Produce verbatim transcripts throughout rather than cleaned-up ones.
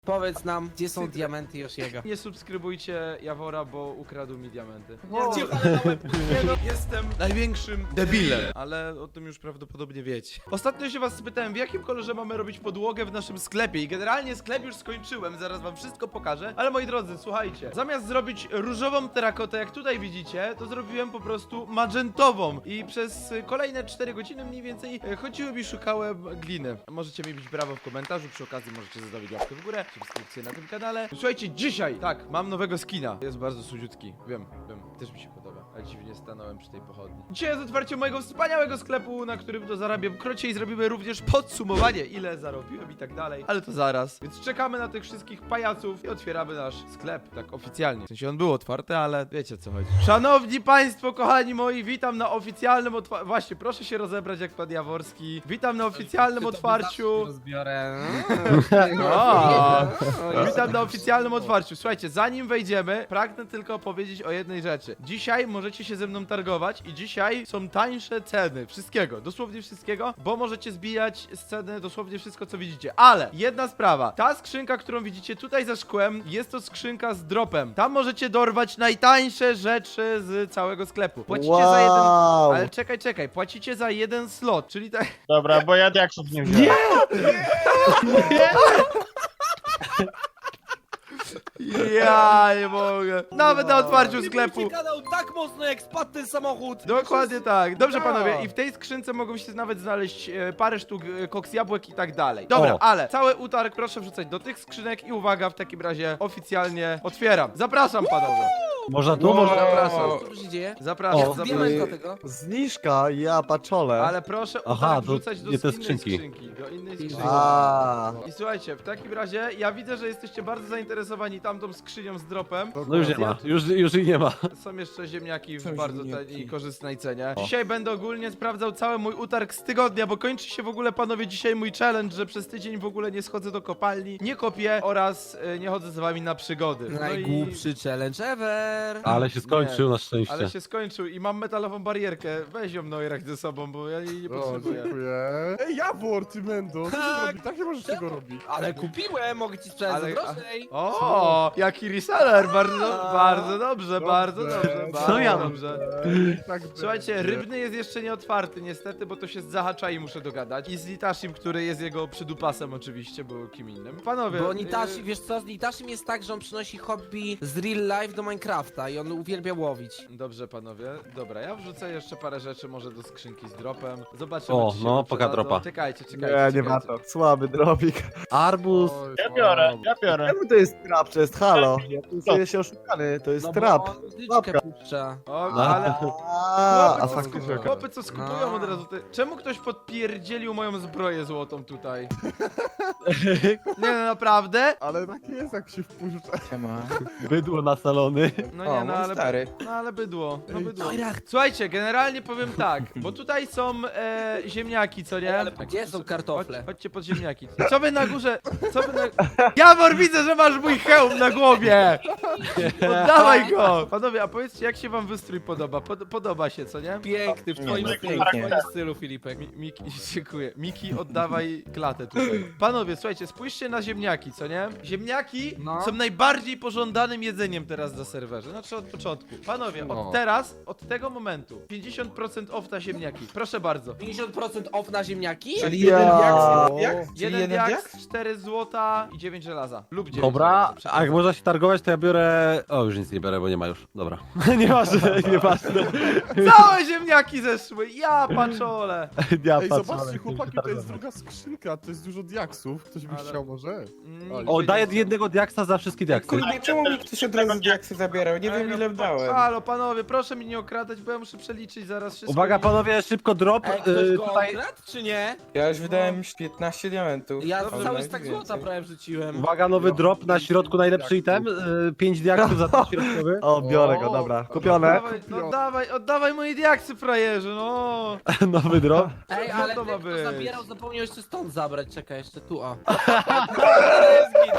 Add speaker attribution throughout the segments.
Speaker 1: Powiedz nam, gdzie są diamenty Yoshiego.
Speaker 2: Nie subskrybujcie Jawora, bo ukradł mi diamenty.
Speaker 1: O.
Speaker 2: Nie, ale na łeb. Nie no, jestem największym debilem, ale o tym już prawdopodobnie wiecie. Ostatnio się was spytałem, w jakim kolorze mamy robić podłogę w naszym sklepie i generalnie sklep już skończyłem, zaraz wam wszystko pokażę, ale moi drodzy, słuchajcie, zamiast zrobić różową terakotę, jak tutaj widzicie, to zrobiłem po prostu magentową i przez kolejne cztery godziny mniej więcej e, chodziłem i szukałem gliny. Możecie mi bić brawo w komentarzu, przy okazji możecie zostawić łapkę w górę, subskrypcję na tym kanale. Słuchajcie, dzisiaj, tak, mam nowego skina. Jest bardzo słodziutki, wiem, wiem, też mi się podoba, ale dziwnie stanąłem przy tej pochodni. Dzisiaj jest otwarcie mojego wspaniałego sklepu, na którym to zarabiam krocie i zrobimy również podsumowanie, ile zarobiłem i tak dalej, ale to zaraz. Więc czekamy na tych wszystkich pajaców i otwieramy nasz sklep, tak oficjalnie. W sensie on był otwarty, ale wiecie, co chodzi. Szanowni Państwo, kochani moi, witam na oficjalnym otwarciu. Właśnie, proszę się rozebrać jak pan Jaworski. Witam na oficjalnym otwarciu.
Speaker 1: Rozbiorę.
Speaker 2: O, witam na oficjalnym otwarciu. Słuchajcie, zanim wejdziemy, pragnę tylko powiedzieć o jednej rzeczy. Dzisiaj możecie się ze mną targować i dzisiaj są tańsze ceny wszystkiego, dosłownie wszystkiego, bo możecie zbijać z ceny dosłownie wszystko, co widzicie. Ale jedna sprawa, ta skrzynka, którą widzicie tutaj za szkłem, jest to skrzynka z dropem. Tam możecie dorwać najtańsze rzeczy z całego sklepu. Płacicie
Speaker 3: Wow.
Speaker 2: za jeden... Ale czekaj, czekaj, płacicie za jeden slot, czyli tak...
Speaker 3: Dobra, bo ja diaksów nie wziąłem.
Speaker 2: Ja nie mogę. Nawet na otwarciu sklepu.
Speaker 1: Kanał tak mocno jak spadł ten samochód.
Speaker 2: Dokładnie tak. Dobrze
Speaker 1: Ja.
Speaker 2: panowie, i w tej skrzynce mogą się nawet znaleźć e, parę sztuk e, koks jabłek i tak dalej. Dobra,
Speaker 3: O.
Speaker 2: ale cały utarg proszę wrzucać do tych skrzynek i uwaga, w takim razie oficjalnie otwieram. Zapraszam panowie.
Speaker 3: Można tu,
Speaker 2: Wow.
Speaker 3: można.
Speaker 2: Zapraszam.
Speaker 1: Co tu się dzieje?
Speaker 2: Zapraszam,
Speaker 3: O,
Speaker 2: zapraszam.
Speaker 1: Diamenta tego.
Speaker 3: Zniżka, ja paczole.
Speaker 2: Ale proszę
Speaker 4: Aha,
Speaker 2: utarg
Speaker 4: to
Speaker 2: wrzucać do
Speaker 4: nie te
Speaker 2: innej
Speaker 4: skrzynki.
Speaker 2: skrzynki. Do innej skrzynki.
Speaker 3: A.
Speaker 2: I słuchajcie, w takim razie ja widzę, że jesteście bardzo zainteresowani tamtą skrzynią z dropem.
Speaker 4: No już nie ma, już, już i nie ma.
Speaker 2: Są jeszcze ziemniaki w
Speaker 1: Są
Speaker 2: bardzo
Speaker 1: ziemniaki.
Speaker 2: taniej i korzystnej cenie.
Speaker 4: O.
Speaker 2: Dzisiaj będę ogólnie sprawdzał cały mój utarg z tygodnia, bo kończy się w ogóle, panowie, dzisiaj mój challenge, że przez tydzień w ogóle nie schodzę do kopalni, nie kopię oraz e, nie chodzę z wami na przygody. No i...
Speaker 1: Najgłupszy challenge ever.
Speaker 4: Ale się skończył na szczęście.
Speaker 2: Ale się skończył i mam metalową barierkę. Weź ją Noirak ze sobą, bo ja jej nie
Speaker 5: O,
Speaker 2: potrzebuję.
Speaker 5: dziękuję. Ej, Jawor, ty Mendo, co ty
Speaker 1: Tak.
Speaker 5: robisz? Tak nie możesz tego robić.
Speaker 1: Ale kupiłem, mogę ci sprzedać
Speaker 2: Ale-
Speaker 1: za drożej.
Speaker 2: O, jaki reseller, bardzo,
Speaker 1: A.
Speaker 2: bardzo dobrze, bardzo
Speaker 5: Dobrze.
Speaker 2: dobrze,
Speaker 5: Co
Speaker 2: bardzo
Speaker 4: ja mam?
Speaker 2: dobrze.
Speaker 5: Ej, tak
Speaker 2: Słuchajcie,
Speaker 5: będzie.
Speaker 2: rybny jest jeszcze nie otwarty niestety, bo to się z Zahacza i muszę dogadać. I z Litashim, który jest jego przydupasem oczywiście, bo kim innym. Panowie...
Speaker 1: Bo Nitashi,
Speaker 2: y,
Speaker 1: wiesz co, z Nitashim jest tak, że on przynosi hobby z real life do Minecrafta i on uwielbia łowić.
Speaker 2: Dobrze panowie, dobra, ja wrzucę jeszcze parę rzeczy może do skrzynki z dropem. Zobaczymy,
Speaker 4: O,
Speaker 2: czy się
Speaker 4: no,
Speaker 2: przydadzą.
Speaker 4: poka dropa.
Speaker 2: Czekajcie, czekajcie,
Speaker 3: Nie, nie
Speaker 2: czekajcie.
Speaker 3: ma to. Słaby drobik.
Speaker 4: Arbuz.
Speaker 5: Oj,
Speaker 3: Ja biorę, ja biorę. Czemu to jest trap? To jest halo. Ja tu czuję się oszukany, to jest
Speaker 1: No
Speaker 3: trap.
Speaker 1: bo on muzyczkę
Speaker 3: Łapka.
Speaker 1: puszcza.
Speaker 2: O,
Speaker 4: No.
Speaker 2: ale...
Speaker 3: A, a
Speaker 2: Chłopy, co,
Speaker 3: faktycznie.
Speaker 2: skup... Chłopy, co skupują
Speaker 1: No.
Speaker 2: od razu te... Czemu ktoś podpierdzielił moją zbroję złotą tutaj? Nie no, naprawdę?
Speaker 5: Ale tak jest, jak się wpuszcza.
Speaker 4: Bydło na salony.
Speaker 2: No nie, no ale... No ale bydło, no bydło.
Speaker 1: Noirak,
Speaker 2: Słuchajcie, generalnie powiem tak, bo tutaj są e, ziemniaki, co nie?
Speaker 1: ale gdzie są kartofle?
Speaker 2: Chodź, chodźcie pod ziemniaki. Co wy na górze, co wy na... Jawor, widzę, że masz mój hełm na głowie! Oddawaj go! Panowie, a powiedzcie, jak się wam wystrój podoba? Pod, podoba się, co nie?
Speaker 1: Piękny, w twoim
Speaker 3: no,
Speaker 1: stylu, w
Speaker 3: pięknie.
Speaker 1: twoim stylu, Filipek.
Speaker 2: Mi, Miki, dziękuję. Miki, oddawaj klatę tutaj. Panowie, słuchajcie, spójrzcie na ziemniaki, co nie? Ziemniaki
Speaker 1: No.
Speaker 2: są najbardziej pożądanym jedzeniem teraz na serwerze. Znaczy od początku. Panowie,
Speaker 1: No.
Speaker 2: od teraz, od tego momentu, pięćdziesiąt procent off na ziemniaki. Proszę bardzo.
Speaker 1: pięćdziesiąt procent off na ziemniaki?
Speaker 3: Czyli jeden diaks, jak?
Speaker 2: Jeden diaks, cztery złota i dziewięć żelaza. Lub dziewięć
Speaker 4: Dobra,
Speaker 2: żelaza,
Speaker 4: a jak można się targować, to ja biorę... O, już nic nie biorę, bo nie ma już. Dobra. Nieważne, nieważne.
Speaker 2: Całe ziemniaki zeszły, ja paczole.
Speaker 4: Ja
Speaker 5: Ej,
Speaker 4: patrzę,
Speaker 5: zobaczcie,
Speaker 4: ale
Speaker 5: chłopaki,
Speaker 4: się
Speaker 5: to jest
Speaker 4: targować.
Speaker 5: druga skrzynka, to jest dużo diaksów. Ktoś by
Speaker 2: Ale-
Speaker 5: chciał może?
Speaker 2: Mm,
Speaker 4: O,
Speaker 2: nie
Speaker 4: daję
Speaker 2: wiedziałem.
Speaker 4: jednego diaksa za wszystkie diaksy.
Speaker 6: Kurde, czemu mi ktoś od razu diaksy zabierał? Nie wiem ile dałem.
Speaker 2: Halo, panowie, proszę mi nie okradać, bo ja muszę przeliczyć zaraz wszystko.
Speaker 4: Uwaga
Speaker 2: i-
Speaker 4: panowie, szybko drop.
Speaker 1: Ej, ktoś
Speaker 4: y,
Speaker 1: go
Speaker 4: tutaj...
Speaker 1: okradł, czy nie?
Speaker 6: Ja już wydałem piętnaście diamentów.
Speaker 1: Ja
Speaker 6: Ale
Speaker 1: cały
Speaker 6: nawet
Speaker 1: stak
Speaker 6: więcej.
Speaker 1: złota prawie wrzuciłem.
Speaker 4: Uwaga, nowy drop na środku, najlepszy item. y, Pięć diaksów za ten środkowy.
Speaker 3: O, biorę go, dobra. Kupione.
Speaker 2: Oddawaj, no oddawaj, oddawaj moje diaksy, frajerze, no.
Speaker 4: Nowy drop.
Speaker 1: Ej,
Speaker 2: Co
Speaker 1: ale
Speaker 2: to
Speaker 1: ten,
Speaker 2: ma
Speaker 1: kto
Speaker 2: być?
Speaker 1: zabierał, zapomniał jeszcze stąd zabrać. Czekaj, jeszcze tu, o. Dobra, jest git, dobra.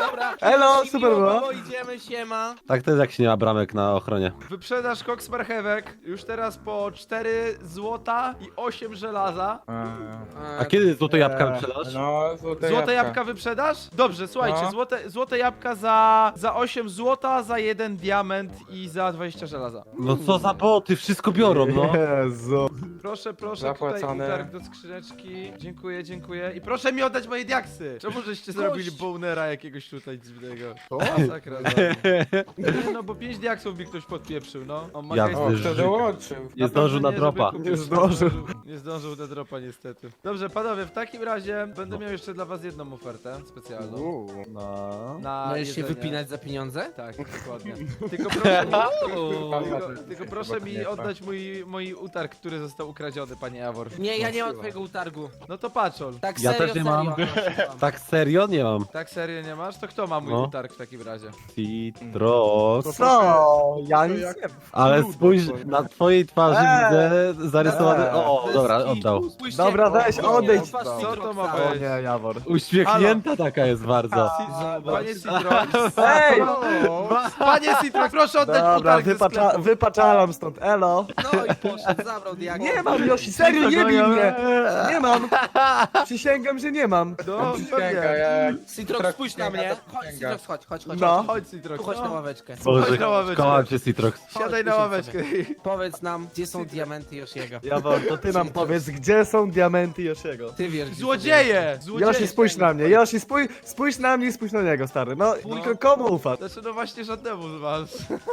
Speaker 3: Elo, super było.
Speaker 1: Miło, idziemy, siema.
Speaker 4: Tak to jest jak się nie ma bramek na ochronie.
Speaker 2: Wyprzedaż koks marchewek już teraz po cztery złota i osiem żelaza.
Speaker 4: A kiedy złote jabłka wyprzedasz?
Speaker 6: No, złote,
Speaker 2: Złote jabłka wyprzedaż? Dobrze, słuchajcie,
Speaker 6: No.
Speaker 2: złote, złote jabłka za, za osiem złota, za jeden diament i za dwadzieścia żelaza.
Speaker 4: No co za boty, wszystko biorą, no.
Speaker 3: Jezu.
Speaker 2: Proszę, proszę,
Speaker 6: Zapłacone.
Speaker 2: tutaj utarg do skrzyneczki. Dziękuję, dziękuję. I proszę mi oddać moje diaksy! Czemu żeście zrobili bonera jakiegoś tutaj dziwnego? Masakra. Nie, no bo pięć diaksów mi ktoś podpieprzył, no. On ma
Speaker 4: Ja
Speaker 2: hejs-
Speaker 6: O,
Speaker 4: Ty
Speaker 6: kto
Speaker 4: żyj.
Speaker 6: dołączył?
Speaker 4: Nie zdążył na
Speaker 2: żeby
Speaker 4: dropa.
Speaker 2: kupić.
Speaker 3: Nie zdążył.
Speaker 2: Nie zdążył na dropa niestety. Dobrze, panowie, w takim razie będę miał jeszcze dla was jedną ofertę specjalną.
Speaker 5: Uuu.
Speaker 3: No.
Speaker 2: Na
Speaker 1: Możesz się
Speaker 2: jedzenie.
Speaker 1: wypinać za pieniądze?
Speaker 2: Tak, dokładnie. Tylko proszę mi,
Speaker 1: Uuu.
Speaker 2: tylko, tylko proszę mi oddać mój, mój utarg, który został ukradziony, panie Jawor.
Speaker 1: Nie, ja nie mam twojego utargu.
Speaker 2: No to patrzol.
Speaker 1: Tak
Speaker 4: Ja
Speaker 1: serio,
Speaker 4: też nie
Speaker 1: serio.
Speaker 4: mam. Tak serio? Nie mam.
Speaker 2: Tak serio nie masz? To kto ma mój
Speaker 4: No.
Speaker 2: utarg w takim razie?
Speaker 4: Citrox.
Speaker 3: Co? Ja nic
Speaker 5: jak-
Speaker 3: nie...
Speaker 4: Ale
Speaker 5: Ludo,
Speaker 4: spójrz,
Speaker 5: to-
Speaker 4: na twojej twarzy
Speaker 3: Eee.
Speaker 4: widzę zarysowany...
Speaker 3: Eee.
Speaker 4: O, o, dobra, oddał.
Speaker 1: Spójrzcie,
Speaker 3: Dobra, weź,
Speaker 1: o,
Speaker 3: odejdź.
Speaker 1: twarz
Speaker 2: Co to
Speaker 1: Citroxa.
Speaker 2: ma
Speaker 3: O
Speaker 2: być?
Speaker 3: nie, Jawor.
Speaker 4: Uśmiechnięta taka jest bardzo.
Speaker 2: Panie Citrox.
Speaker 3: Ej!
Speaker 2: Panie Citrox, proszę oddać
Speaker 3: Dobra,
Speaker 2: utarg ze
Speaker 3: wypacza,
Speaker 2: sklepu.
Speaker 3: wypaczalam stąd, elo.
Speaker 1: No i poszedł, zabrał diaksy.
Speaker 3: Nie mam, Yoshi, serio, nie bij mnie. Nie mam. Przysięgam, że nie mam.
Speaker 2: No,
Speaker 6: Księga,
Speaker 2: pewnie.
Speaker 6: jak...
Speaker 1: Citrox, spójrz na mnie. Chodź,
Speaker 6: Księga.
Speaker 1: Citrox, chodź, chodź, chodź.
Speaker 3: No.
Speaker 1: chodź.
Speaker 2: Chodź Citrox.
Speaker 1: Tu chodź na
Speaker 2: no.
Speaker 1: ławeczkę.
Speaker 4: Boże,
Speaker 2: Chodź na ławeczkę.
Speaker 4: kocham cię, Citrox.
Speaker 2: Siadaj na
Speaker 1: Chodź,
Speaker 2: ławeczkę.
Speaker 1: Powiedz nam, gdzie są diamenty Yoshiego.
Speaker 3: Jawor, to ty nam powiedz, gdzie są diamenty Yoshiego.
Speaker 1: Ty wiesz, gdzie
Speaker 2: Złodzieje! Złodzieje!
Speaker 3: Yoshi, spójrz na mnie, Yoshi, spójrz, spójrz na mnie i spójrz na niego, stary. No, tylko komu ufasz?
Speaker 2: Znaczy, no właśnie żadnemu z was.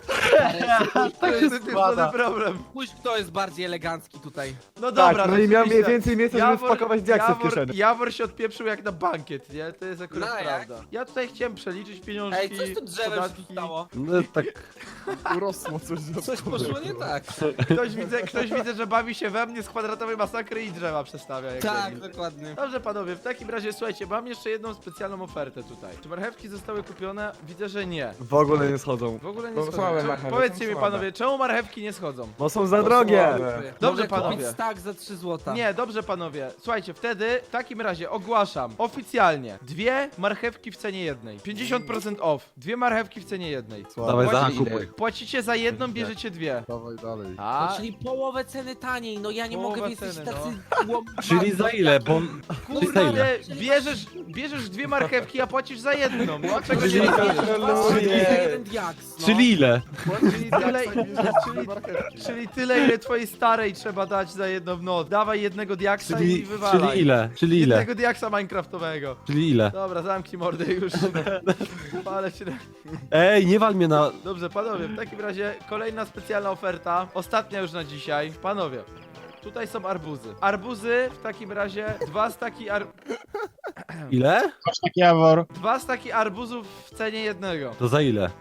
Speaker 1: są.
Speaker 2: To jest ten
Speaker 4: składa.
Speaker 2: problem.
Speaker 1: Spójrz, kto jest bardziej elegancki tutaj.
Speaker 2: No
Speaker 3: Tak,
Speaker 2: dobra,
Speaker 3: no i miał mniej
Speaker 2: rzeczywiście.
Speaker 3: więcej miejsca, żeby wpakować diaksy w
Speaker 2: Jawor,
Speaker 3: kieszeni.
Speaker 2: Jawor się odpieprzył jak na bankiet, nie? To jest akurat
Speaker 1: No, jak?
Speaker 2: prawda. Ja tutaj chciałem przeliczyć pieniążki,
Speaker 1: Ej, coś tu drzewem się
Speaker 2: podatki.
Speaker 1: stało.
Speaker 4: No tak,
Speaker 5: Urosło coś za
Speaker 1: Coś poszło nie tak.
Speaker 2: Ktoś widzę, ktoś widzę, że bawi się we mnie z kwadratowej masakry i drzewa przestawia. Jak
Speaker 1: Tak,
Speaker 2: debil.
Speaker 1: dokładnie.
Speaker 2: Dobrze panowie, w takim razie słuchajcie, mam jeszcze jedną specjalną ofertę tutaj. Czy marchewki zostały kupione? Widzę, że nie.
Speaker 3: W ogóle nie schodzą.
Speaker 2: W ogóle nie
Speaker 6: Bo
Speaker 2: schodzą.
Speaker 6: słabe
Speaker 2: Czemu-
Speaker 6: marchewki,
Speaker 2: Powiedzcie
Speaker 6: są
Speaker 2: mi
Speaker 6: słabe.
Speaker 2: panowie, czemu marchewki nie schodzą?
Speaker 3: Bo są za drogie.
Speaker 6: słabe.
Speaker 2: Dobrze,
Speaker 1: Mogę
Speaker 2: panowie.
Speaker 1: kupić stack za trzy złota.
Speaker 2: Nie, dobrze panowie. Słuchajcie, wtedy w takim razie ogłaszam oficjalnie dwie marchewki w cenie jednej. pięćdziesiąt procent off. Dwie marchewki w cenie jednej.
Speaker 4: dawaj za
Speaker 2: Płacicie-
Speaker 4: kupuj.
Speaker 2: Płacicie za jedną, bierzecie dwie.
Speaker 5: Dawaj dalej.
Speaker 2: A,
Speaker 1: No, czyli połowę ceny taniej, no ja nie
Speaker 2: Połowę
Speaker 1: mogę wiedzieć
Speaker 2: ceny,
Speaker 1: tacy
Speaker 2: no.
Speaker 1: łom...
Speaker 4: Czyli za ile? Bo... Czyli za ile?
Speaker 2: kurde, bierzesz, bierzesz dwie marchewki, a płacisz za jedną. Dlaczego nie
Speaker 4: Czyli-
Speaker 1: Czyli
Speaker 6: Nie.
Speaker 1: za jeden diaks, no.
Speaker 4: Czyli ile?
Speaker 2: Czyli tyle, czyli, czyli tyle, ile twojej starej trzeba dać za jedną noc. Dawaj jednego diaksa i
Speaker 4: Czyli,
Speaker 2: wywalaj.
Speaker 4: czyli ile? Czyli ile?
Speaker 2: Jednego diaksa minecraftowego.
Speaker 4: Czyli ile?
Speaker 2: Dobra, zamknij mordę już. Ale cię...
Speaker 4: Ej, nie wal mnie na...
Speaker 2: Dobrze, panowie, w takim razie kolejna specjalna oferta. Ostatnia już na dzisiaj. Panowie, tutaj są arbuzy. Arbuzy w takim razie dwa staki ar...
Speaker 4: Ile?
Speaker 2: dwa staki arbuzów w cenie jednego.
Speaker 4: To za ile?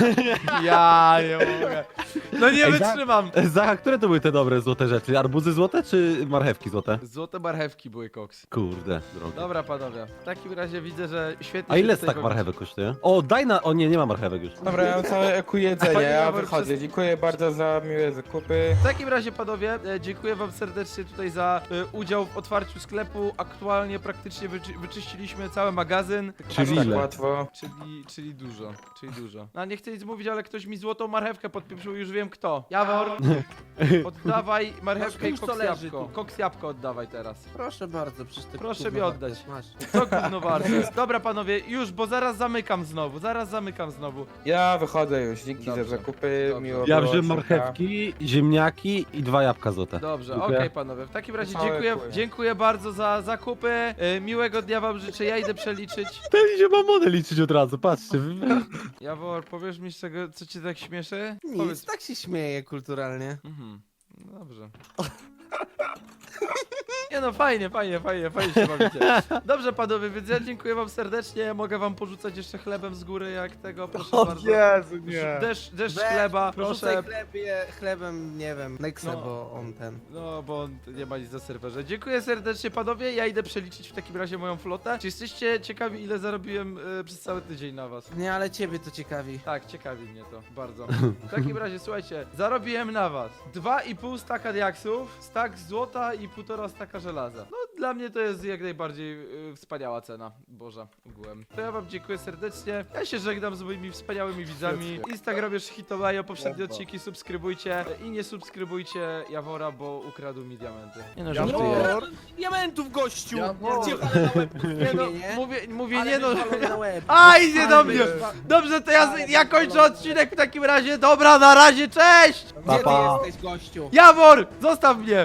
Speaker 2: Ja nie mogę. No nie
Speaker 4: Ej, za-
Speaker 2: wytrzymam.
Speaker 4: Zacha, które to były te dobre złote rzeczy? Arbuzy złote czy marchewki złote?
Speaker 2: Złote marchewki były koks.
Speaker 4: Kurde, drogie.
Speaker 2: Dobra, panowie. W takim razie widzę, że świetnie
Speaker 4: A
Speaker 2: się
Speaker 4: ile
Speaker 2: tutaj
Speaker 4: stak
Speaker 2: bawicie.
Speaker 4: marchewek kosztuje? O, daj na... O nie, nie ma marchewek już.
Speaker 6: Dobra, ja mam całe eku jedzenie,
Speaker 2: Panie
Speaker 6: ja
Speaker 2: Jawor,
Speaker 6: wychodzę.
Speaker 2: przez-
Speaker 6: Dziękuję bardzo za miłe zakupy.
Speaker 2: W takim razie, panowie, e, dziękuję wam serdecznie tutaj za e, udział w otwarciu sklepu. Aktualnie praktycznie wyczy wyczyściliśmy cały magazyn.
Speaker 4: Czyli
Speaker 6: Tak
Speaker 4: ile?
Speaker 6: łatwo.
Speaker 2: Czyli, czyli dużo, czyli dużo. No nie chcę nic mówić, ale ktoś mi złotą marchewkę podpieprzył, już wiem kto. Jawor, oddawaj marchewkę i
Speaker 1: Masz,
Speaker 2: koks
Speaker 1: to leży
Speaker 2: jabłko.
Speaker 1: tu.
Speaker 2: Koks jabłko oddawaj teraz.
Speaker 1: Proszę bardzo, przecież ty
Speaker 2: Proszę
Speaker 1: gówno
Speaker 2: mi oddać.
Speaker 1: wartość Masz.
Speaker 2: Co gówno warte jest? Dobra panowie, już, bo zaraz zamykam znowu, zaraz zamykam znowu.
Speaker 6: Ja wychodzę już, dzięki
Speaker 2: Dobrze.
Speaker 6: za zakupy,
Speaker 2: Dobrze.
Speaker 6: miło
Speaker 4: Ja
Speaker 6: było,
Speaker 4: wziąłem
Speaker 6: siemka.
Speaker 4: marchewki, ziemniaki i dwa jabłka złote.
Speaker 2: Dobrze, okej
Speaker 4: Dziękuję.
Speaker 2: panowie, w takim razie
Speaker 6: Całe
Speaker 2: dziękuję,
Speaker 6: kuje.
Speaker 2: dziękuję bardzo za zakupy. E, miłego dnia wam życzę, ja idę przeliczyć.
Speaker 4: Ten idzie mamonę liczyć od razu, patrzcie.
Speaker 2: Jawor, powiesz mi z czego, co cię tak śmieszy?
Speaker 1: Nic, tak się śmieje kulturalnie.
Speaker 2: Mhm. No dobrze. Nie no, fajnie, fajnie, fajnie, fajnie się bawicie. Dobrze panowie, więc ja dziękuję wam serdecznie. Mogę wam porzucać jeszcze chlebem z góry, jak tego, proszę
Speaker 3: O
Speaker 2: bardzo.
Speaker 3: Jezu, nie.
Speaker 2: Deszcz, deszcz
Speaker 1: Weź,
Speaker 2: chleba,
Speaker 1: Porzucaj
Speaker 2: proszę.
Speaker 1: chlebie, chlebem, nie wiem, Nexe,
Speaker 2: No.
Speaker 1: bo on ten...
Speaker 2: No, bo on nie ma nic na serwerze. Dziękuję serdecznie panowie, ja idę przeliczyć w takim razie moją flotę. Czy jesteście ciekawi, ile zarobiłem y, przez cały tydzień na was?
Speaker 1: Nie, ale ciebie to ciekawi.
Speaker 2: Tak, ciekawi mnie to bardzo. W takim razie, słuchajcie, zarobiłem na was dwa i pół staka diaksów, stak złota i półtora staka żelaza. No dla mnie to jest jak najbardziej y, wspaniała cena. Boże, ogółem. To ja wam dziękuję serdecznie. Ja się żegnam z moimi wspaniałymi widzami. Instagram już Hitomajo, poprzednie odcinki subskrybujcie i nie subskrybujcie Jawora, bo ukradł mi diamenty. Nie no, żartuję.
Speaker 5: Jawor.
Speaker 1: Diamentów, gościu!
Speaker 5: Jawor.
Speaker 1: Cię walę na łeb,
Speaker 2: Nie no,
Speaker 1: nie?
Speaker 2: mówię, mówię
Speaker 1: Ale
Speaker 2: nie no.
Speaker 1: mnie walą na łeb.
Speaker 2: A, idzie do mnie!
Speaker 5: Ale-
Speaker 2: Dobrze, to ja, ja kończę odcinek w takim razie. Dobra, na razie, cześć!
Speaker 1: Gdzie ty
Speaker 4: Pa, pa.
Speaker 1: jesteś, gościu?
Speaker 2: Jawor, zostaw mnie!